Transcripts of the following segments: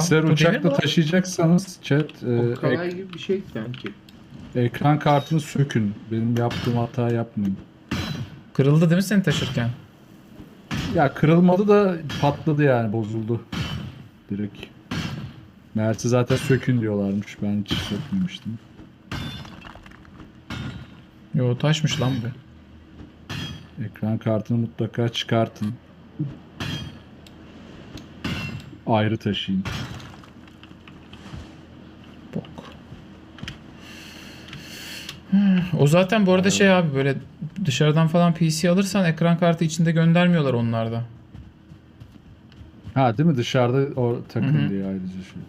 Bilgisayar Bu demir mi uçakla lan? taşıyacaksanız chat O kalay gibi bir şey sanki. ekran kartını sökün. Benim yaptığım hata yapmayın. Kırıldı değil mi seni taşırken? Ya kırılmadı da patladı yani bozuldu. Direkt. Meğerse zaten sökün diyorlarmış. Ben hiç sökmemiştim. Yo taşmış lan bu. Ekran kartını mutlaka çıkartın. Ayrı taşıyın. Bok. O zaten bu arada şey abi böyle dışarıdan falan PC alırsan ekran kartı içinde göndermiyorlar onlarda. Ha değil mi? Dışarıda o Hı takın hı. diye ayrıca şey.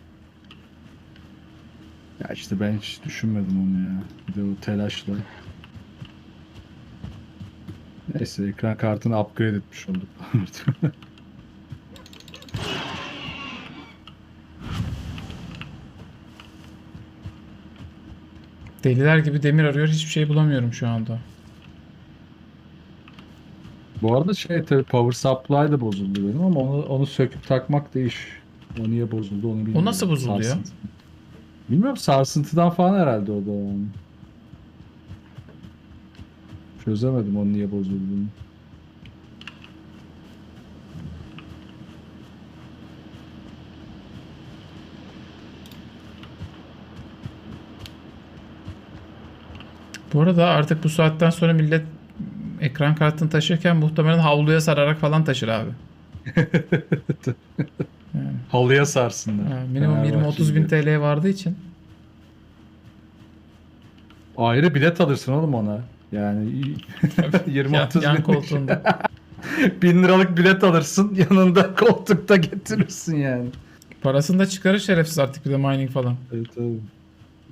Ya işte ben hiç düşünmedim onu ya. Bir de o telaşla. Neyse ekran kartını upgrade etmiş olduk. Deliler gibi demir arıyor hiçbir şey bulamıyorum şu anda. Bu arada şey tabii power supply da bozuldu benim ama onu söküp takmak da iş. O niye bozuldu onu bilmiyorum. O nasıl bozuldu ya? Sarsıntı. Bilmiyorum sarsıntıdan falan herhalde o da yani. Çözemedim onun niye bozulduğunu. Bu arada artık bu saatten sonra millet ekran kartını taşırken muhtemelen havluya sararak falan taşır abi. Yani, Halıya sarsınlar. minimum 20-30 bin Fenerbahçe gibi. TL vardığı için. Ayrı bilet alırsın oğlum ona. Yani 20-30 Yan binlik koltuğunda. 1000 liralık bilet alırsın yanında koltukta getirirsin yani. Parasını da çıkarır şerefsiz artık bir de mining falan. Evet, tabii.